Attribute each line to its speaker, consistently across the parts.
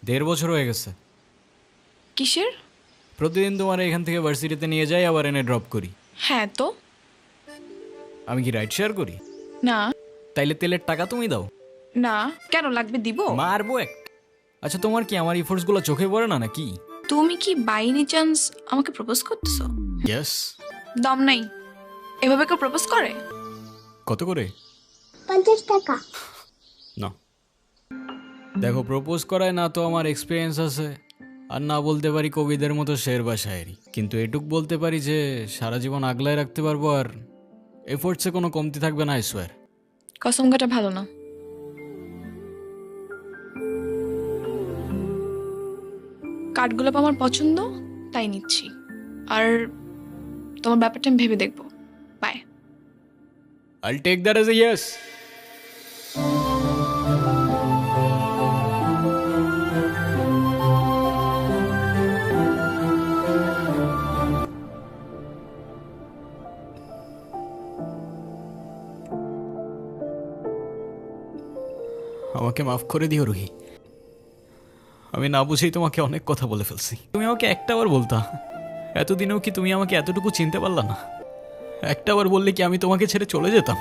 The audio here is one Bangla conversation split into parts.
Speaker 1: 1.5 বছর হয়ে গেছে।
Speaker 2: কিসের?
Speaker 1: প্রতিদিন তোমার এখান থেকে ভার্সিটিতে নিয়ে যাই, আবার এনে ড্রপ করি।
Speaker 2: হ্যাঁ তো।
Speaker 1: আমি কি রাইড শেয়ার করি?
Speaker 2: না
Speaker 1: তাইলে তেলের টাকা তুমি দাও।
Speaker 2: না, কেন লাগবে দিব?
Speaker 1: মারবো এক। আচ্ছা, তোমার কি আমার ইফোর্টসগুলো চোখে পড়ে না নাকি?
Speaker 2: তুমি কি বাই এনি চান্স আমাকে প্রপোজ করতেছো?
Speaker 1: ইয়েস।
Speaker 2: দম নাই, এভাবে কেউ প্রপোজ করে?
Speaker 1: কত করে?
Speaker 3: 50 টাকা।
Speaker 1: না, দেখো, প্রপোজ করায় না তো আমার এক্সপিরিয়েন্স আছে, আর না বলতে পারি কবিদের মতো শের বা শায়েরি, কিন্তু এটুক বলতে পারি যে সারা জীবন আগলায় রাখতে পারবো, আর এফোর্টসে কোনো কমতি থাকবে না, আই সোয়ার।
Speaker 2: কসম কাটা ভালো না। কাঠগোলাপ আমার পছন্দ, তাই নিচ্ছি। আর তোমার ব্যাপারটা আমি ভেবে দেখবো। Bye.
Speaker 1: I'll take that as a yes. আমাকে মাফ করে দিও রুহি, আমি না বুঝেই তোমাকে অনেক কথা বলে ফেলছি। তুমি আমাকে একটাবার বলতা, এতদিনেও কি তুমি আমাকে এতটুকু চিনতে পারলা না? একটাবার বললে কি আমি তোমাকে ছেড়ে চলে যেতাম?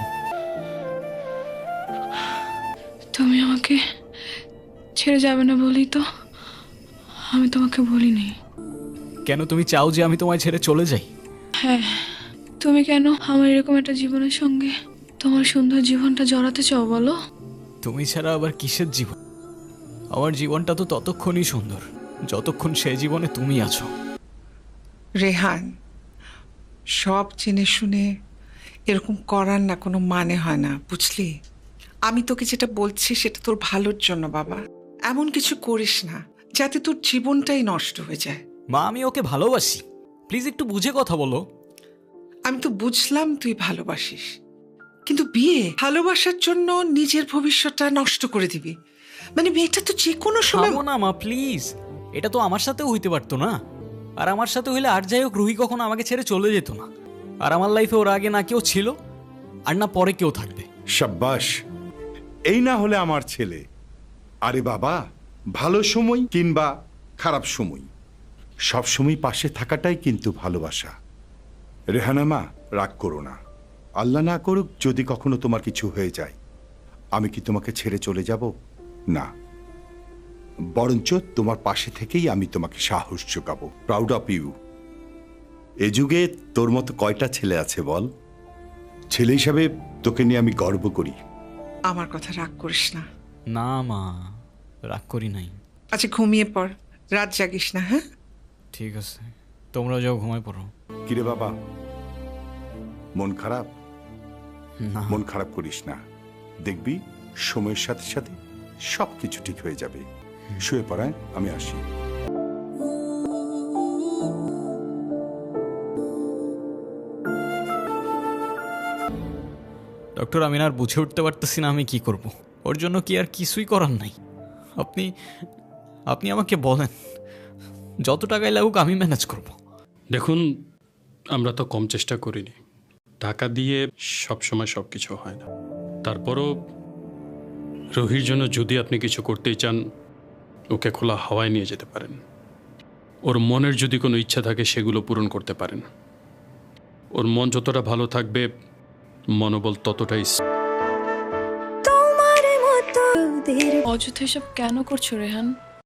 Speaker 2: তুমি আমাকে ছেড়ে যাবে না বলি তো আমি তোমাকে বলিনি।
Speaker 1: কেন তুমি চাও যে আমি তোমায় ছেড়ে চলে যাই?
Speaker 2: হ্যাঁ, তুমি কেন আমার এরকম একটা জীবনের সঙ্গে তোমার সুন্দর জীবনটা জড়াতে চাও বলো?
Speaker 1: তুমি ছাড়া আবার কিসের জীবন? আমার জীবনটা তো ততক্ষণই সুন্দর যতক্ষণ সেই জীবনে তুমি আছো।
Speaker 4: রেহান, সব জেনে শুনে এরকম করার না কোনো মানে হয় না, বুঝলি? আমি তোকে যেটা বলছি সেটা তোর ভালোর জন্য বাবা। এমন কিছু করিস না যাতে তোর জীবনটাই নষ্ট হয়ে যায়।
Speaker 1: মা, আমি ওকে ভালোবাসি, প্লিজ একটু বুঝে কথা বলো।
Speaker 4: আমি তো বুঝলাম তুই ভালোবাসিস, কিন্তু বিয়ে ভালোবাসার জন্য নিজের ভবিষ্যৎটা নষ্ট করে দিবি? মানে মেয়েটা তো যে কোনো সময়।
Speaker 1: থামো না মা, প্লিজ। এটা তো আমার সাথেও হইতে পারতো না, আর আমার সাথে হইলে আর যাই হোক রুহি কখনো আমাকে ছেড়ে চলে যেত না। আর আমার লাইফে ওর আগে না কেউ ছিল, আর না পরে কেউ থাকবে।
Speaker 5: সাব্বাস, এই না হলে আমার ছেলে। আরে বাবা, ভালো সময় কিংবা খারাপ সময় সব সময় পাশে থাকাটাই কিন্তু ভালোবাসা। রেহানা মা, রাগ করো না। আল্লাহ না করুক যদি কখনো তোমার কিছু হয়ে যায়, আমি কি তোমাকে ছেড়ে চলে যাব? না, বরঞ্চ তোমার পাশে থেকেই আমি তোমাকে সাহস যোগাবো। Proud of you. এ যুগে তোর মতো কয়টা ছেলে আছে বল? ছেলে হিসাবে তোকে নিয়ে আমি গর্ব করি।
Speaker 4: আমার কথা রাগ করিস না।
Speaker 1: না মা, রাগ করি নাই।
Speaker 4: আচ্ছা ঘুমিয়ে পড়, রাত জাগিস না। হ্যাঁ,
Speaker 1: ঠিক আছে, তোমরা যাও, ঘুমায় পড়ো।
Speaker 5: কিরে বাবা, মন খারাপ?
Speaker 1: না,
Speaker 5: মন খারাপ করিস না, দেখবি সময়ের সাথে সাথে সব কিছু ঠিক হয়ে যাবে। শুয়ে পড়ায়, আমি আসি।
Speaker 1: ডক্টর, আমি আর বুঝে উঠতে পারতেছি না আমি কি করব। ওর জন্য কি আর কিছুই করার নাই? আপনি আপনি আমাকে বলেন, যত টাকাই লাগুক আমি ম্যানেজ করব।
Speaker 6: দেখুন, আমরা তো কম চেষ্টা করিনি। টাকা দিয়ে সব সময় সব কিছু হয় না। তারপরও রুহির জন্য যদি আপনি কিছু করতেই চান, ওকে খোলা হাওয়ায় নিয়ে যেতে পারেন। ওর মনের যদি কোনো ইচ্ছা থাকে সেগুলো পূরণ করতে পারেন। ওর মন যতটা ভালো থাকবে, মনোবল ততটাই।
Speaker 2: অযথা এসব কেন করছো রেহান?